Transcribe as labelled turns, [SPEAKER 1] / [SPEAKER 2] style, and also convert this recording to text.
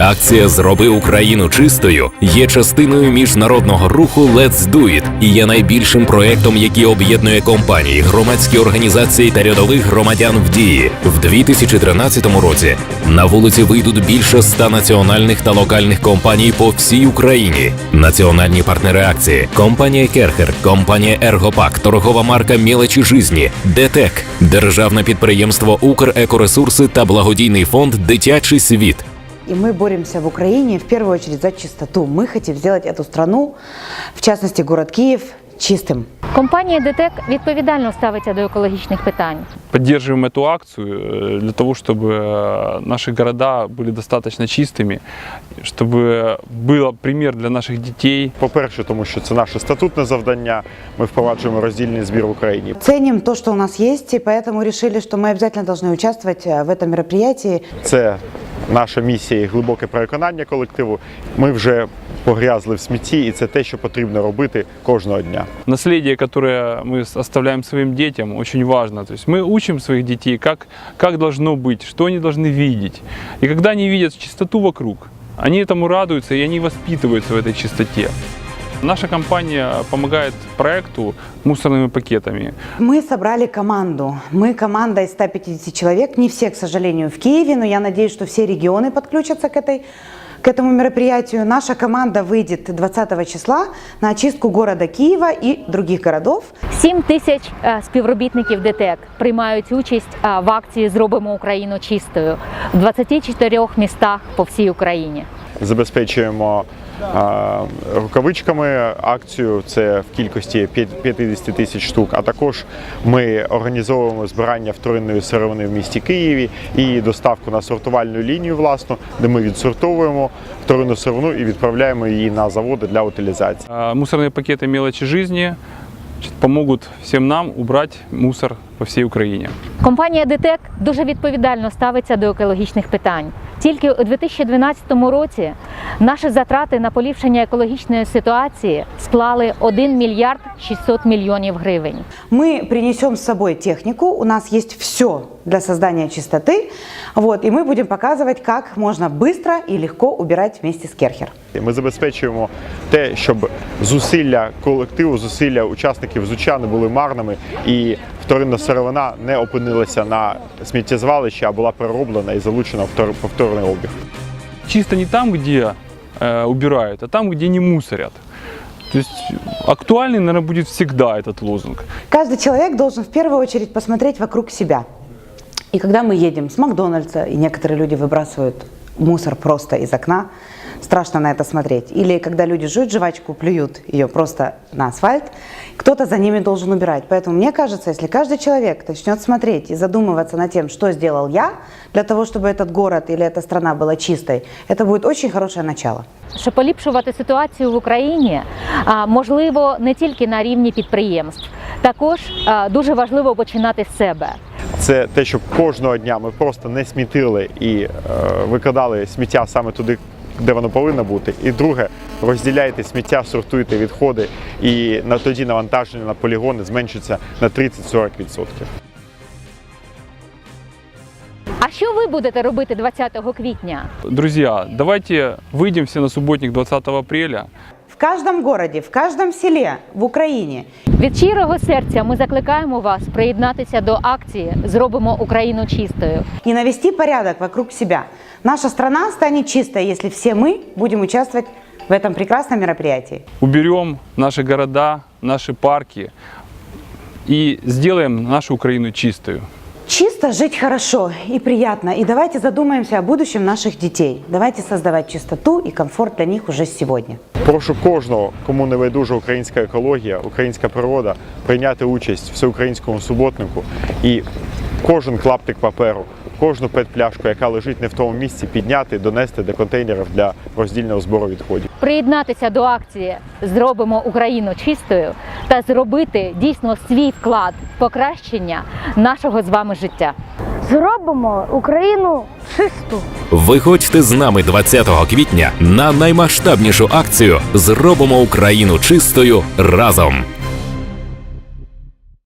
[SPEAKER 1] Акція «Зроби Україну чистою» є частиною міжнародного руху «Let's Do It» і є найбільшим проєктом, який об'єднує компанії, громадські організації та рядових громадян в дії. В 2013 році на вулиці вийдуть більше 100 національних та локальних компаній по всій Україні. Національні партнери акції – компанія «Керхер», компанія «Ергопак», торгова марка «Мелочі жизні», ДТЕК, державне підприємство «Укрекоресурси» та благодійний фонд «Дитячий світ».
[SPEAKER 2] И мы боремся в Украине в первую очередь за чистоту. Мы хотим сделать эту страну, в частности город Киев, чистым.
[SPEAKER 3] Компанія ДТЕК відповідально ставиться до екологічних питань.
[SPEAKER 4] Поддерживаем эту акцию для того, чтобы наши города были достаточно чистыми, чтобы был пример для наших детей.
[SPEAKER 5] По-перше, тому що це наше статутне завдання, ми впроваджуємо роздільний збір в Україні.
[SPEAKER 2] Ценим то, что у нас есть, и поэтому решили, что мы обязательно должны участвовать в этом мероприятии.
[SPEAKER 5] Це наша місія і глибоке переконання колективу. Ми вже погрязли в смітті, і це те, що потрібно робити кожного дня.
[SPEAKER 4] Наследие, которое мы оставляем своим детям, очень важно. То есть мы учим своих детей, как должно быть, что они должны видеть. И когда они видят чистоту вокруг, они этому радуются, и они воспитываются в этой чистоте. Наша компания помогает проекту мусорными пакетами.
[SPEAKER 2] Мы собрали команду. Мы команда из 150 человек. Не все, к сожалению, в Киеве, но я надеюсь, что все регионы подключатся к этому мероприятию. Наша команда выйдет 20 числа на очистку города Киева и других городов.
[SPEAKER 3] 7 тисяч співробітників ДТЕК приймають участь в акції «Зробимо Україну чистою» в 24 містах по всій Україні.
[SPEAKER 5] Забезпечуємо рукавичками акцію, це в кількості 50 тисяч штук, а також ми організовуємо збирання вторинної сировини в місті Києві і доставку на сортувальну лінію власну, де ми відсортовуємо вторинну сировину і відправляємо її на заводи для утилізації.
[SPEAKER 4] Мусорные пакеты «Мелочи жизни» помогут всем нам убрать мусор по всій Україні.
[SPEAKER 3] Компанія ДТЕК дуже відповідально ставиться до екологічних питань. Тільки у 2012 році наші затрати на поліпшення екологічної ситуації склали 1 мільярд 600 мільйонів гривень.
[SPEAKER 2] Мы принесем с собой технику, у нас есть все для создания чистоты, и мы будем показывать, как можно быстро и легко убирать вместе с Керхер.
[SPEAKER 5] Ми забезпечуємо те, щоб зусилля колективу, зусилля учасників ЗУЧа не були марними і вторинна сировина не опинилася на сміттєзвалищі, а була перероблена і залучена в повторний обіг.
[SPEAKER 4] Чисто не там, где убирают, а там, где не мусорят. То есть актуальный, наверное, будет всегда этот лозунг.
[SPEAKER 2] Каждый человек должен в первую очередь посмотреть вокруг себя. И когда мы едем с Макдональдса, и некоторые люди выбрасывают мусор просто из окна, страшно на это смотреть. Или когда люди жуют жвачку, плюют ее просто на асфальт, кто-то за ними должен убирать. Поэтому мне кажется, если каждый человек начнет смотреть и задумываться над тем, что сделал я, для того, чтобы этот город или эта страна была чистой, это будет очень хорошее начало.
[SPEAKER 3] Щоб поліпшувати ситуацію в Україні, можливо, не тільки на рівні підприємств. Також дуже важливо починати з себе.
[SPEAKER 5] Це те, щоб кожного дня ми просто не смітили і викидали сміття саме туди, де воно повинно бути. І друге, розділяйте сміття, сортуйте відходи, і тоді навантаження на полігони зменшиться на 30-40%.
[SPEAKER 3] А що ви будете робити 20 квітня?
[SPEAKER 4] Друзья, давайте выйдем все на субботник 20 апреля.
[SPEAKER 2] В каждом городе, в каждом селе в Україні.
[SPEAKER 3] Від щирого серця ми закликаємо вас приєднатися до акції «Зробимо Україну чистою».
[SPEAKER 2] И навести порядок вокруг себя. Наша страна станет чистой, если все мы будем участвовать в этом прекрасном мероприятии.
[SPEAKER 4] Уберем наши города, наши парки и сделаем нашу Украину чистою.
[SPEAKER 2] Чисто жить хорошо и приятно. И давайте задумаемся о будущем наших детей. Давайте создавать чистоту и комфорт для них уже сегодня.
[SPEAKER 5] Прошу кожного, кому не байдужа українська екологія, українська природа, прийняти участь в всеукраїнському суботнику і кожен клаптик паперу, кожну пет-пляшку, яка лежить не в тому місці, підняти, донести до контейнерів для роздільного збору відходів.
[SPEAKER 3] Приєднатися до акції «Зробимо Україну чистою» та зробити дійсно свій вклад в покращення нашого з вами життя.
[SPEAKER 6] Зробимо Україну чисту.
[SPEAKER 1] Виходьте з нами 20 квітня на наймасштабнішу акцію «Зробимо Україну чистою разом».